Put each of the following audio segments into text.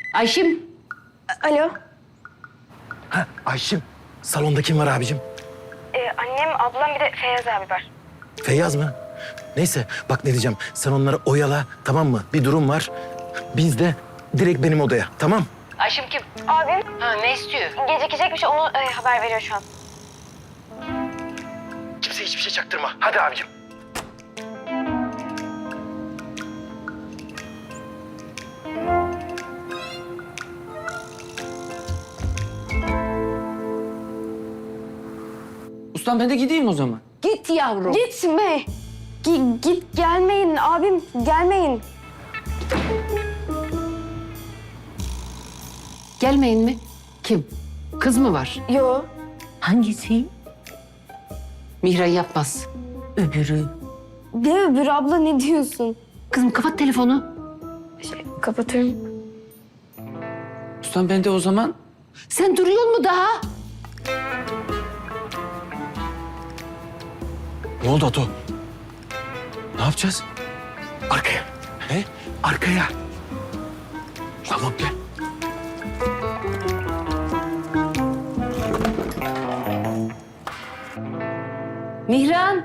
Ayşim. Alo. Ha Ayşim, salonda kim var abicim? Annem, ablam bir de Feyyaz abi var. Feyyaz mı? Neyse bak ne diyeceğim. Sen onları oyala, tamam mı? Bir durum var. Biz de direkt benim odaya, tamam? Ayşim kim? Abim Ha, ne istiyor? gecikecekmiş, onu haber veriyor şu an. Kimseye hiçbir şey çaktırma. Hadi abicim. Ustam ben de gideyim o zaman. Git yavrum. Gitme. Git gelmeyin abim, gelmeyin. Gelmeyin mi? Kim? Kız mı var? Yo. Hangisi? Mihran yapmaz. Öbürü. Ne öbür abla, ne diyorsun? Kızım kapat telefonu. Kapatıyorum. Ustam ben de o zaman Sen duruyor mu daha? Ne oldu Ato? Ne yapacağız? Arkaya. He? Arkaya. Tamam gel. Mihran.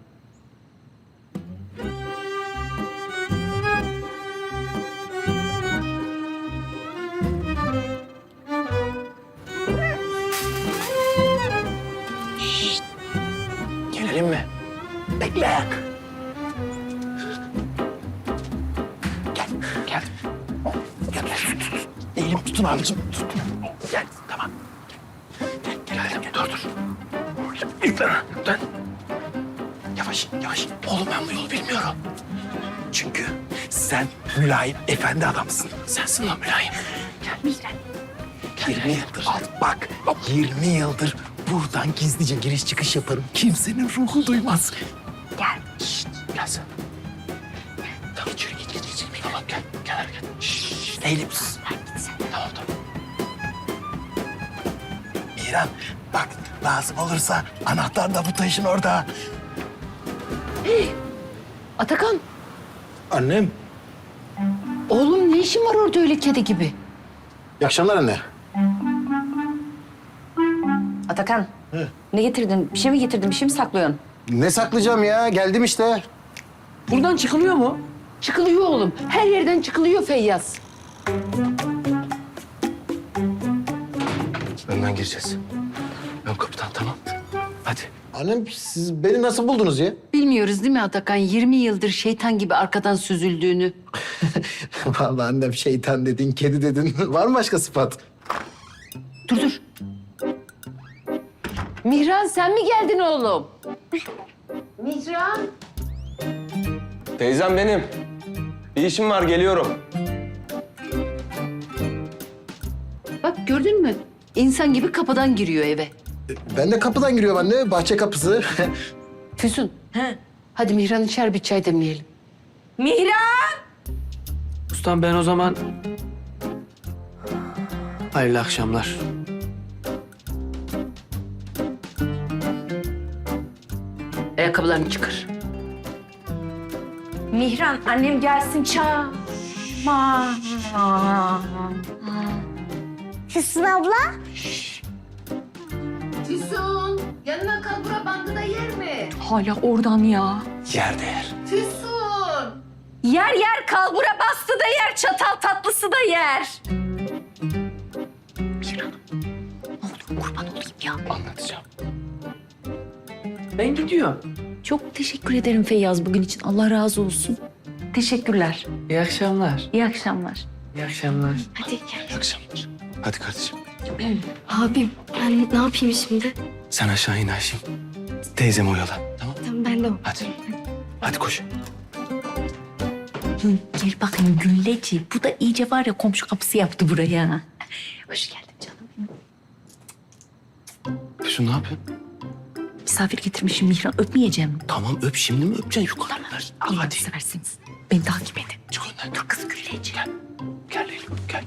Gelelim mi? Bekle. Gel, gel. Gel, tut. Eğilim tutun abicim. Tut. Gel, tamam. Gel, gel. Dur. Lütfen. Yavaş, yavaş. Oğlum ben bu yolu bilmiyorum. Çünkü sen mülayim, efendi adamsın. Sensin lan mülayim. Gel. 20 yıldır. Bak, 20 yıldır buradan gizlice giriş çıkış yaparım. Kimsenin ruhu duymaz. Gel. Şşt, gel sen. Tamam, içeri git. Tamam, gel. Gel, gel. Şşt, eğilim. Git sen. Tamam. İrem, bak lazım olursa anahtar da bu taşın orada. Atakan. Annem. Oğlum ne işin var orada öyle kedi gibi? İyi akşamlar anne. Atakan. Ne getirdin? Bir şey mi getirdin? Bir şey mi saklıyorsun? Ne saklayacağım ya? Geldim işte. buradan çıkılıyor mu? Çıkılıyor oğlum. Her yerden çıkılıyor Feyyaz. Önden gireceğiz. Ön kapıdan, tamam. Hadi. Annem siz beni nasıl buldunuz ya? Bilmiyoruz değil mi Atakan? 20 yıldır şeytan gibi arkadan süzüldüğünü. Vallahi annem şeytan dedin, kedi dedin. Var mı başka sıfat? Dur. Mihran sen mi geldin oğlum? Mihran. Teyzem benim. Bir işim var, geliyorum. Bak gördün mü? İnsan gibi kapıdan giriyor eve. Ben de kapıdan giriyorum anne, bahçe kapısı. Füsun. Hadi Mihran içer bir çay demleyelim. Ustam ben o zaman... Hayırlı akşamlar. Ayakkabılarını çıkar. Mihran, annem gelsin çağır. Füsun abla. Füsun yanına kalbura bandı da yer mi? Hala oradan ya. Yer değer. Füsun. Yer kalbura bastı da yer, çatal tatlısı da yer. Mihran, ne olur kurban olayım ya. Anlatacağım. Ben gidiyorum. Çok teşekkür ederim Feyyaz bugün için. Allah razı olsun. Teşekkürler. İyi akşamlar. İyi akşamlar. İyi akşamlar. Hadi gel. İyi akşamlar. Hadi kardeşim. Abim, ben ne yapayım şimdi? Sen aşağı in Ayşim. Teyzemi oyala. Tamam. Tamam, ben de o. Hadi. Hadi koş. Gel bakayım Gülleci. Bu da iyice var ya komşu kapısı yaptı buraya. Hoş geldin canım. Füsun ne yapıyorsun? Misafir getirmişim Mihran. Öpmeyeceğim. Tamam öp, şimdi mi öpeceksin yukarı? Allah'ını Hadi. seversiniz. Beni takip edin. Çık önden. Dur kız Gülleci. Gel. Gel Leyla. Gel.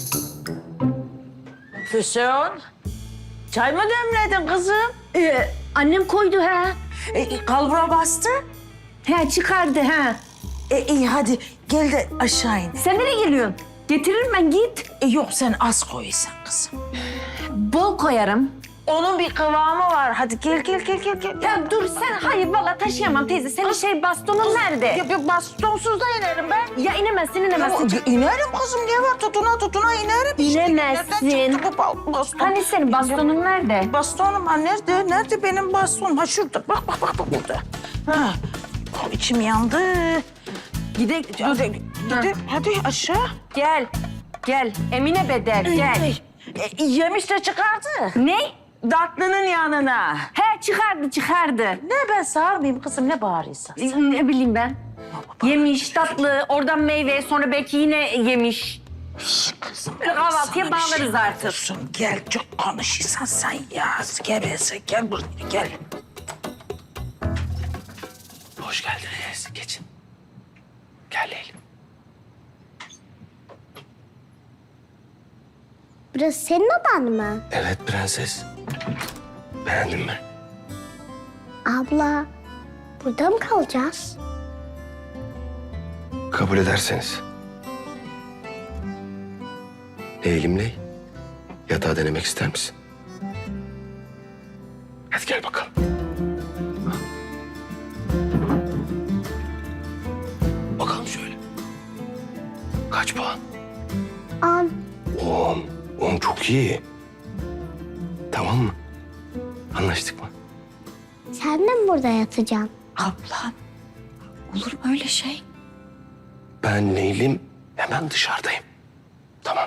Füsun, çay mı demledin kızım? Annem koydu ha. Kalbura bastı. He çıkardı ha. İyi hadi gel de aşağı in. Sen nereye geliyorsun? Getiririm ben git. Yok sen az koysan kızım. Bol koyarım. Onun bir kıvamı var. Hadi gel. Ya dur sen hayır vallahi taşıyamam teyze. Senin bastonun nerede? Ya bastonsuz da inerim ben. Ya inemezsin. İnerim kızım ne var tutuna inerim. İnemezsin. Nereden çıktı bu baston? Hani senin bastonun nerede? Bastonum ha nerede? Nerede benim bastonum? Ha şurada. Bak burada. Ha. İçim yandı. Hadi aşağı. Gel. Emine Bedel gel. Yemiş de çıkardı. Ne? Datlının yanına. He çıkardı. Ne ben sağırmayayım kızım ne bağırıyorsun? Ne bileyim ben. Yemiş tatlı, oradan meyve, sonra belki yine yemiş. Kızım. Böyle kahvaltıya bağlarız artık. Olsun, gel çok konuşursan sen ya. Geveze gel buraya gel. Hoş geldiniz. Geçin. Gel Leylim. Burası senin odan mı? Evet prenses. Beğendin mi? Abla, burada mı kalacağız? Kabul ederseniz. Leylimley, yatağı denemek ister misin? Hadi gel bakalım. Bakalım şöyle. Kaç puan? 10. 10. 10 çok iyi. Tamam mı? Anlaştık mı? Sen de mi burada yatacaksın? Ablam olur mu öyle şey? Ben Leylim hemen dışarıdayım. Tamam.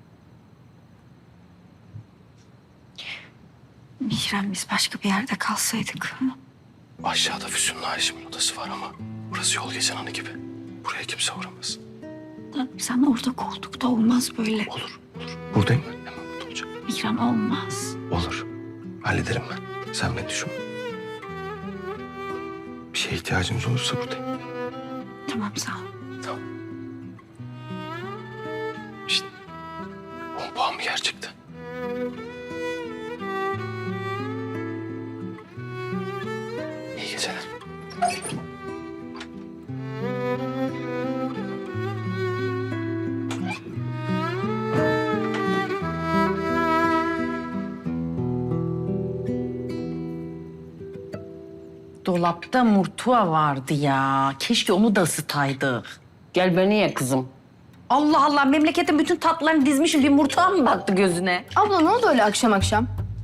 Mihran biz başka bir yerde kalsaydık. Aşağıda Füsun'la Ayşem'in odası var ama burası yol geçen anı gibi. Buraya kimse uğramaz. Sen orada koltukta olmaz böyle. Olur. Buradayım ben. Hemen burada olacağım. Mihran olmaz. Olur. Hallederim ben. Sen beni düşünme. Bir şeye ihtiyacınız olursa buradayım. Tamam sağ ol. Tamam. İşte 10 puan mı gerçekten? İyi geceler. Dolapta murtuva vardı ya. Keşke onu da ısıtaydık. Gel beni ye kızım. Allah Allah memleketin bütün tatlılarını dizmişim. Bir murtuva mı battı gözüne? Abla ne oldu öyle akşam akşam?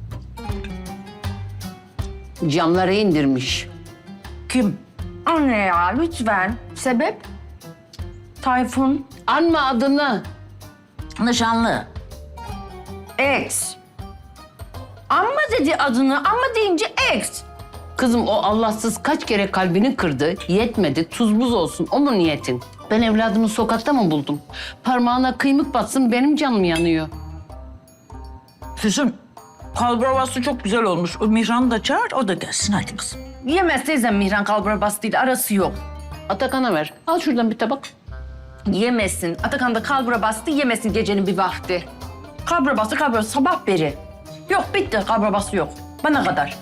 Camları indirmiş. Kim? Anne ya lütfen. Sebep? Tayfun. Anma adını. Nişanlı. Ex. Amma dedi adını. Amma deyince ex. Kızım o Allahsız kaç kere kalbini kırdı. Yetmedi. Tuz buz olsun. O mu niyetin? Ben evladımı sokakta mı buldum? Parmağına kıymık batsın benim canım yanıyor. Füsun kalbravası çok güzel olmuş. O Mihran'ı da çağır o da gelsin hadi kızım. Yemez teyzem Mihran kalburabas değil. Arası yok. Atakan'a ver. Al şuradan bir tabak. Yemesin. Atakan da kalburabastı yemesin gecenin bir vakti. Kalburabastı sabah beri. Yok bitti kalburabası yok. Bana kadar.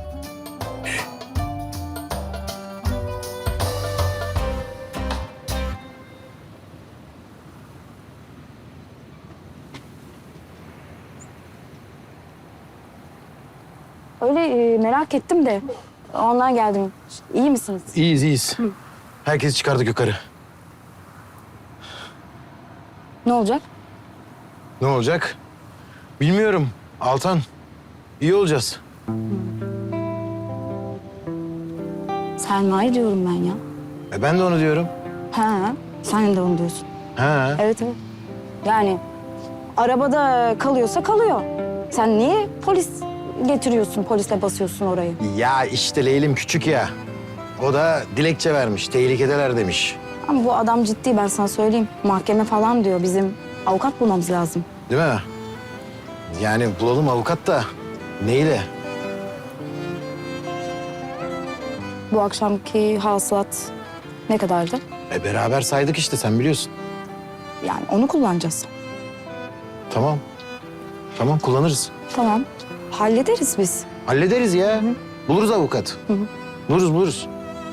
Öyle merak ettim de ondan geldim. İyi misiniz? İyiyiz. Herkesi çıkardık yukarı. Ne olacak? Ne olacak? Bilmiyorum. Altan. İyi olacağız. Selma'yı diyorum ben ya. Ben de onu diyorum. Ha, sen de onu diyorsun. Ha. Evet. Yani arabada kalıyorsa kalıyor. Sen niye polis getiriyorsun, polisle basıyorsun orayı? Ya işte Leylim küçük ya. O da dilekçe vermiş. Tehlikedeler demiş. Ama bu adam ciddi ben sana söyleyeyim. Mahkeme falan diyor. Bizim avukat bulmamız lazım. Değil mi? Yani bulalım avukat da neyle? Bu akşamki hasılat ne kadardı? Beraber saydık işte sen biliyorsun. Yani onu kullanacağız. Tamam. Tamam kullanırız. Tamam. Hallederiz biz. Hallederiz ya. Buluruz avukat. Buluruz.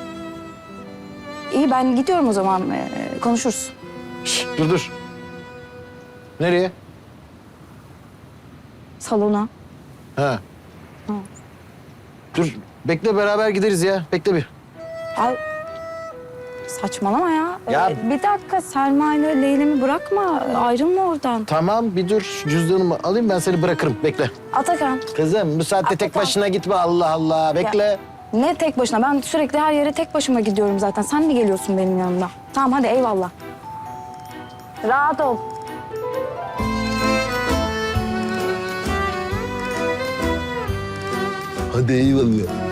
İyi ben gidiyorum o zaman. Konuşuruz. Şişt, dur. Nereye? Salona. Ha. Dur, bekle beraber gideriz ya. Bekle bir. Ay, saçmalama ya. Ya- Bir dakika Selma ile Leylim'i bırakma. Ayrılma oradan. Tamam, bir dur. Şu cüzdanımı alayım, ben seni bırakırım. Bekle. Atakan. Kızım, bu saatte tek Atakan. başına gitme. Allah Allah, bekle. Ne tek başına? Ben sürekli her yere tek başıma gidiyorum zaten. Sen mi geliyorsun benim yanımda? Tamam hadi eyvallah. Rahat ol. Hadi eyvallah.